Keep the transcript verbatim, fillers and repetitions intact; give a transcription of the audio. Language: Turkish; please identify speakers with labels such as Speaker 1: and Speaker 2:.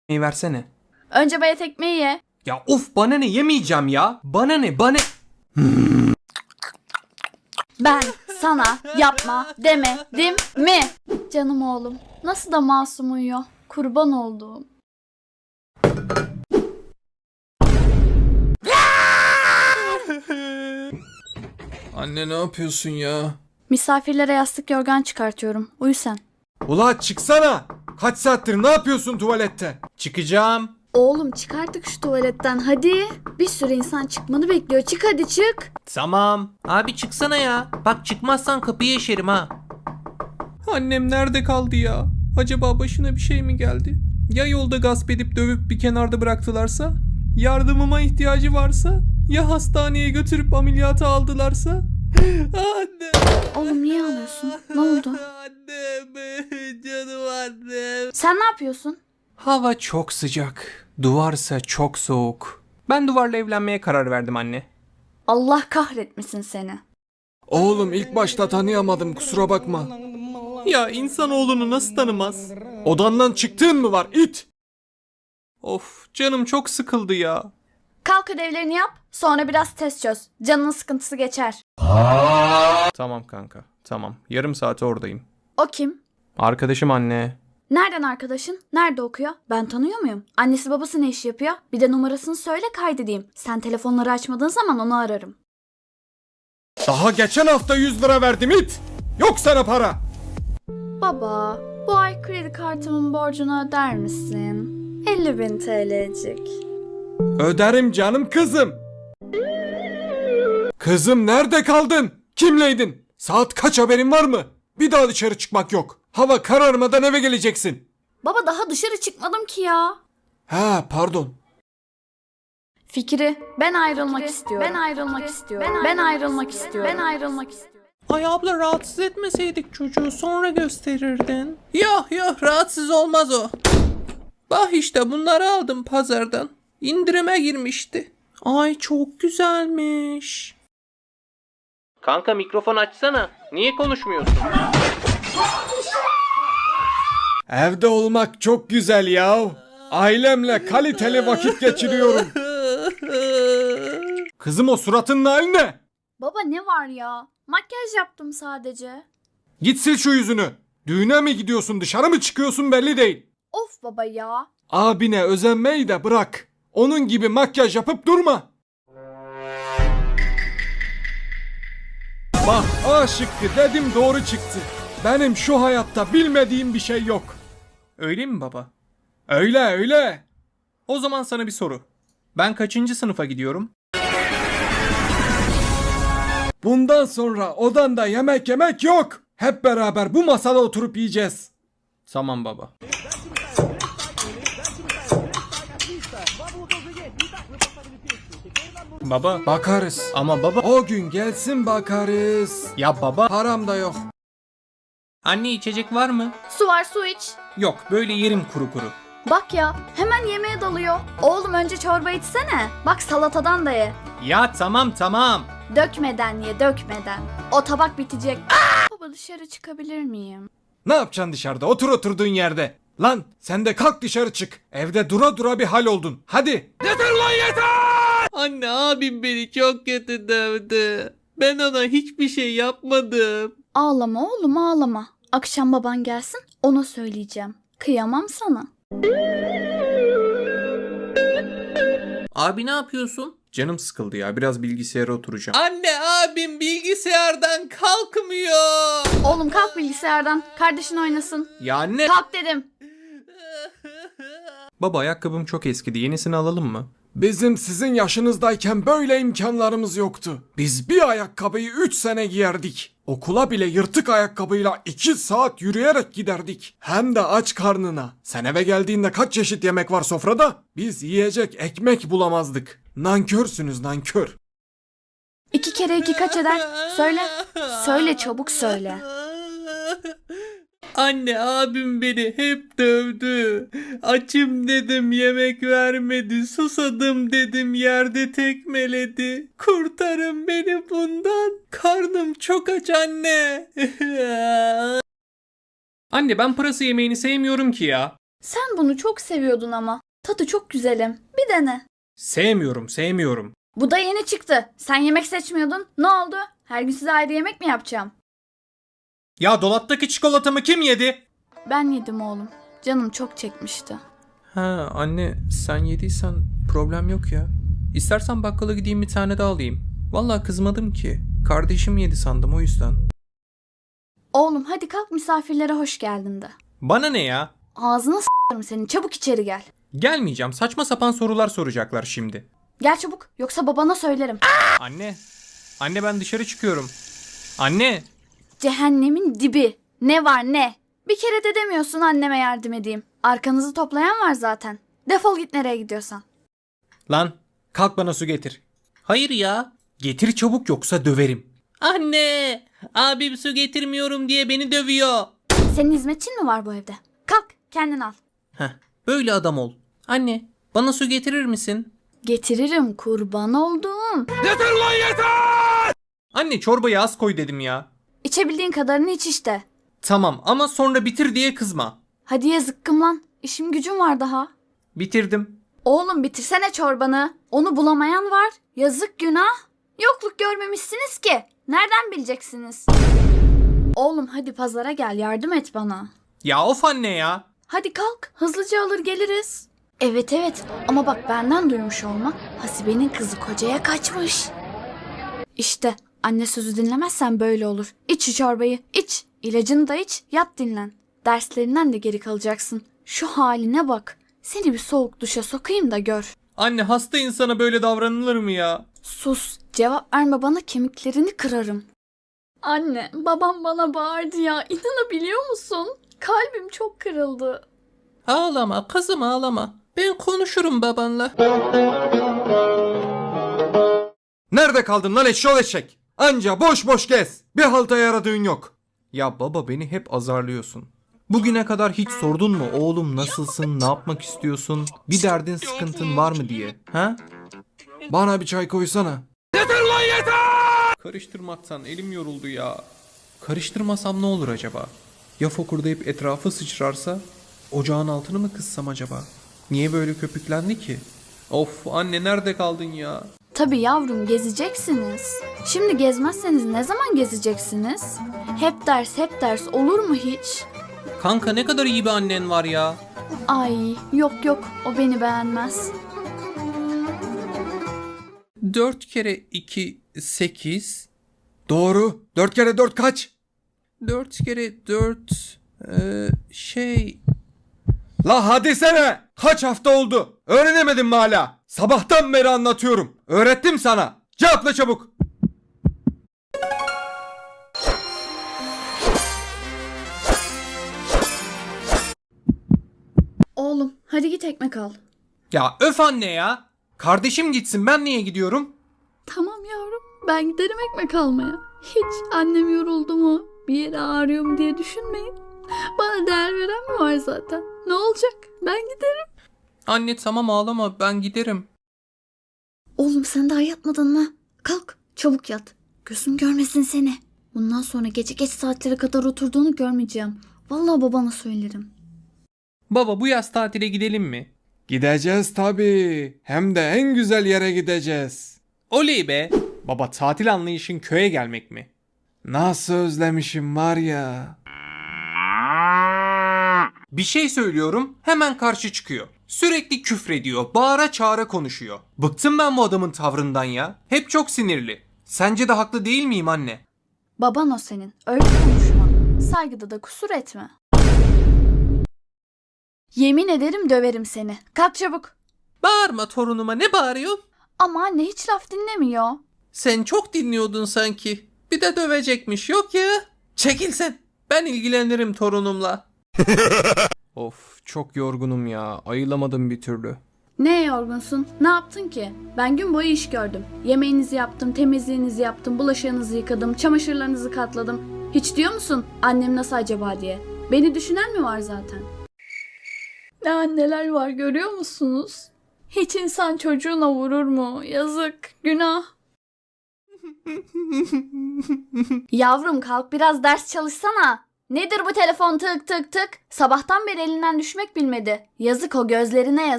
Speaker 1: versene.
Speaker 2: Önce bayat ekmeği ye.
Speaker 1: Ya of, bana ne, yemeyeceğim ya. Bana ne bana.
Speaker 2: Ben sana yapma demedim mi? Canım oğlum, nasıl da masum uyuyor. Kurban olduğum.
Speaker 3: Anne ne yapıyorsun ya?
Speaker 2: Misafirlere yastık yorgan çıkartıyorum. Uyu sen.
Speaker 3: Ula çıksana. Kaç saattir ne yapıyorsun tuvalette?
Speaker 1: Çıkacağım.
Speaker 2: Oğlum çık artık şu tuvaletten hadi. Bir sürü insan çıkmanı bekliyor. Çık hadi çık.
Speaker 1: Tamam. Abi çıksana ya. Bak çıkmazsan kapıyı eşerim ha. Annem nerede kaldı ya? Acaba başına bir şey mi geldi? Ya yolda gasp edip dövüp bir kenarda bıraktılarsa? Yardımıma ihtiyacı varsa? Ya hastaneye götürüp ameliyata aldılarsa? Anne.
Speaker 2: Oğlum niye ağlıyorsun? Ne oldu?
Speaker 1: Annem. Canım annem.
Speaker 2: Sen ne yapıyorsun?
Speaker 1: Hava çok sıcak. Duvarsa çok soğuk. Ben duvarla evlenmeye karar verdim anne.
Speaker 2: Allah kahretmesin seni.
Speaker 3: Oğlum ilk başta tanıyamadım, kusura bakma.
Speaker 1: Ya insanoğlunu nasıl tanımaz?
Speaker 3: Odandan çıktığın mı var it?
Speaker 1: Of, canım çok sıkıldı ya.
Speaker 2: Kalk ödevlerini yap. Sonra biraz test çöz. Canının sıkıntısı geçer.
Speaker 1: Tamam kanka, tamam. Yarım saate oradayım.
Speaker 2: O kim?
Speaker 1: Arkadaşım anne.
Speaker 2: Nereden arkadaşın? Nerede okuyor? Ben tanıyor muyum? Annesi babası ne iş yapıyor? Bir de numarasını söyle kaydedeyim. Sen telefonları açmadığın zaman onu ararım.
Speaker 3: Daha geçen hafta yüz lira verdim it. Yok sana para.
Speaker 2: Baba, bu ay kredi kartımın borcunu öder misin? elli bin T L'cik.
Speaker 3: Öderim canım kızım. Kızım nerede kaldın? Kimleydin? Saat kaç, haberin var mı? Bir daha dışarı çıkmak yok. Hava kararmadan eve geleceksin.
Speaker 2: Baba daha dışarı çıkmadım ki ya.
Speaker 3: Ha pardon.
Speaker 2: Fikri, ben ayrılmak istiyorum. Ben ayrılmak istiyorum. Ben ayrılmak istiyorum. Ben ayrılmak istiyorum.
Speaker 1: Ay abla, rahatsız etmeseydik çocuğu, sonra gösterirdin. Yok yok, rahatsız olmaz o. Bak işte bunları aldım pazardan. İndirime girmişti. Ay çok güzelmiş. Kanka mikrofon açsana. Niye konuşmuyorsun?
Speaker 3: Evde olmak çok güzel ya. Ailemle kaliteli vakit geçiriyorum. Kızım o suratının hali ne?
Speaker 2: Baba ne var ya? Makyaj yaptım sadece.
Speaker 3: Git sil şu yüzünü. Düğüne mi gidiyorsun, dışarı mı çıkıyorsun belli değil.
Speaker 2: Of baba ya.
Speaker 3: Abine özenmeyi de bırak. Onun gibi makyaj yapıp durma. Bak A şıkkı dedim, doğru çıktı. Benim şu hayatta bilmediğim bir şey yok.
Speaker 1: Öyle mi baba?
Speaker 3: Öyle öyle.
Speaker 1: O zaman sana bir soru. Ben kaçıncı sınıfa gidiyorum?
Speaker 3: Bundan sonra odanda yemek yemek yok. Hep beraber bu masada oturup yiyeceğiz.
Speaker 1: Tamam baba. Baba.
Speaker 3: Bakarız.
Speaker 1: Ama baba.
Speaker 3: O gün gelsin bakarız.
Speaker 1: Ya baba.
Speaker 3: Param da yok.
Speaker 1: Anne içecek var mı?
Speaker 2: Su var su iç.
Speaker 1: Yok, böyle yerim kuru kuru.
Speaker 2: Bak ya hemen yemeğe dalıyor. Oğlum önce çorba içsene. Bak salatadan da ye.
Speaker 1: Ya tamam tamam.
Speaker 2: Dökmeden ye dökmeden. O tabak bitecek. Baba dışarı çıkabilir miyim?
Speaker 3: Ne yapacaksın dışarıda? Otur oturduğun yerde. Lan sen de kalk dışarı çık. Evde dura dura bir hal oldun. Hadi. Yeter lan yeter!
Speaker 1: Anne, abim beni çok kötü dövdü. Ben ona hiçbir şey yapmadım.
Speaker 2: Ağlama oğlum ağlama. Akşam baban gelsin ona söyleyeceğim. Kıyamam sana.
Speaker 1: Abi ne yapıyorsun? Canım sıkıldı ya, biraz bilgisayara oturacağım. Anne, abim bilgisayardan kalkmıyor.
Speaker 2: Oğlum kalk bilgisayardan. Kardeşin oynasın.
Speaker 1: Ya anne.
Speaker 2: Kalk dedim.
Speaker 1: Baba, ayakkabım çok eskidi, yenisini alalım mı?
Speaker 3: Bizim sizin yaşınızdayken böyle imkanlarımız yoktu. Biz bir ayakkabıyı üç sene giyerdik. Okula bile yırtık ayakkabıyla iki saat yürüyerek giderdik. Hem de aç karnına. Sen eve geldiğinde kaç çeşit yemek var sofrada? Biz yiyecek ekmek bulamazdık. Nankörsünüz nankör.
Speaker 2: İki kere iki kaç eder? Söyle. Söyle çabuk söyle.
Speaker 1: Anne, abim beni hep dövdü. Açım dedim, yemek vermedi. Susadım dedim, yerde tekmeledi. Kurtarın beni bundan. Karnım çok aç anne. Anne, ben pırasa yemeğini sevmiyorum ki ya.
Speaker 2: Sen bunu çok seviyordun ama. Tadı çok güzelim. Bir dene.
Speaker 1: Sevmiyorum, sevmiyorum.
Speaker 2: Bu da yeni çıktı. Sen yemek seçmiyordun. Ne oldu? Her gün size ayrı yemek mi yapacağım?
Speaker 1: Ya dolaptaki çikolatamı kim yedi?
Speaker 2: Ben yedim oğlum. Canım çok çekmişti.
Speaker 1: Ha anne, sen yediysen problem yok ya. İstersen bakkala gideyim bir tane daha alayım. Vallahi kızmadım ki. Kardeşim yedi sandım o yüzden.
Speaker 2: Oğlum hadi kalk, misafirlere hoş geldin de.
Speaker 1: Bana ne ya?
Speaker 2: Ağzına s**arım senin. Çabuk içeri gel.
Speaker 1: Gelmeyeceğim. Saçma sapan sorular soracaklar şimdi.
Speaker 2: Gel çabuk. Yoksa babana söylerim.
Speaker 1: Anne. Anne ben dışarı çıkıyorum. Anne.
Speaker 2: Cehennemin dibi. Ne var ne? Bir kere de demiyorsun anneme yardım edeyim. Arkanızı toplayan var zaten. Defol git nereye gidiyorsan.
Speaker 1: Lan kalk bana su getir. Hayır ya. Getir çabuk yoksa döverim. Anne. Abim su getirmiyorum diye beni dövüyor.
Speaker 2: Senin hizmetçin mi var bu evde? Kalk kendin al.
Speaker 1: Heh, böyle adam ol. Anne bana su getirir misin?
Speaker 2: Getiririm kurban olduğum.
Speaker 1: Anne çorbayı az koy dedim ya.
Speaker 2: İçebildiğin kadarını iç işte.
Speaker 1: Tamam ama sonra bitir diye kızma.
Speaker 2: Hadi ye zıkkım lan. İşim gücüm var daha.
Speaker 1: Bitirdim.
Speaker 2: Oğlum bitirsene çorbanı. Onu bulamayan var. Yazık günah. Yokluk görmemişsiniz ki. Nereden bileceksiniz? Oğlum hadi pazara gel, yardım et bana.
Speaker 1: Ya of anne ya.
Speaker 2: Hadi kalk, hızlıca alır geliriz. Evet evet ama bak benden duymuş olma. Hasibe'nin kızı kocaya kaçmış. İşte anne sözü dinlemezsen böyle olur. İç şu çorbayı, iç. İlacını da iç, yat dinlen. Derslerinden de geri kalacaksın. Şu haline bak. Seni bir soğuk duşa sokayım da gör.
Speaker 1: Anne hasta insana böyle davranılır mı ya?
Speaker 2: Sus, cevap verme bana, kemiklerini kırarım. Anne, babam bana bağırdı ya. İnanabiliyor musun? Kalbim çok kırıldı.
Speaker 1: Ağlama kızım ağlama. Ben konuşurum babanla.
Speaker 3: Nerede kaldın lan eşşoğlu eşek? Anca boş boş gez. Bir halta yaradığın yok.
Speaker 1: Ya baba beni hep azarlıyorsun. Bugüne kadar hiç sordun mu oğlum nasılsın, ne yapmak istiyorsun, bir derdin sıkıntın var mı diye? Ha?
Speaker 3: Bana bir çay koysana.
Speaker 1: Karıştırmaktan elim yoruldu ya. Karıştırmasam ne olur acaba? Ya fokurdayıp etrafı sıçrarsa? Ocağın altını mı kıssam acaba? Niye böyle köpüklendi ki? Of anne nerede kaldın ya?
Speaker 2: Tabii yavrum, gezeceksiniz. Şimdi gezmezseniz ne zaman gezeceksiniz? Hep ders hep ders olur mu hiç?
Speaker 1: Kanka ne kadar iyi bir annen var ya.
Speaker 2: Ay yok yok, o beni beğenmez.
Speaker 1: Dört kere iki sekiz.
Speaker 3: Doğru. Dört kere dört kaç?
Speaker 1: Dört kere dört ee, şey...
Speaker 3: La hadi sene. Kaç hafta oldu? Öğrenemedin mi hala? Sabahtan beri anlatıyorum. Öğrettim sana. Cevapla çabuk.
Speaker 2: Oğlum hadi git ekmek al.
Speaker 1: Ya öf anne ya. Kardeşim gitsin ben niye gidiyorum?
Speaker 2: Tamam yavrum, ben giderim ekmek almaya. Hiç annem yoruldu mu, bir yere ağrıyor mu diye düşünmeyin. Bana değer veren mi var zaten? Ne olacak? Ben giderim.
Speaker 1: Anne tamam ağlama ben giderim.
Speaker 2: Oğlum sen daha yatmadın mı? Kalk çabuk yat. Gözüm görmesin seni. Bundan sonra gece geç saatlere kadar oturduğunu görmeyeceğim. Vallahi babana söylerim.
Speaker 1: Baba bu yaz tatile gidelim mi?
Speaker 3: Gideceğiz tabii. Hem de en güzel yere gideceğiz.
Speaker 1: Oley be. Baba tatil anlayışın köye gelmek mi?
Speaker 3: Nasıl özlemişim var ya.
Speaker 1: Bir şey söylüyorum hemen karşı çıkıyor. Sürekli küfrediyor, bağıra çağıra konuşuyor. Bıktım ben bu adamın tavrından ya. Hep çok sinirli. Sence de haklı değil miyim anne?
Speaker 2: Baban o senin. Öyle konuşma. Saygıda da kusur etme. Yemin ederim döverim seni. Kalk çabuk.
Speaker 1: Bağırma torunuma ne bağırıyor?
Speaker 2: Ama anne hiç laf dinlemiyor.
Speaker 1: Sen çok dinliyordun sanki. Bir de dövecekmiş yok ya. Çekil sen. Ben ilgilenirim torunumla. Of çok yorgunum ya. Ayılamadım bir türlü.
Speaker 2: Ne yorgunsun? Ne yaptın ki? Ben gün boyu iş gördüm. Yemeğinizi yaptım, temizliğinizi yaptım, bulaşığınızı yıkadım, çamaşırlarınızı katladım. Hiç diyor musun annem nasıl acaba diye? Beni düşünen mi var zaten? Ne anneler var görüyor musunuz? Hiç insan çocuğuna vurur mu? Yazık, günah. Yavrum kalk biraz ders çalışsana. Nedir bu telefon tık tık tık? Sabahtan beri elinden düşmek bilmedi. Yazık o gözlerine yazık.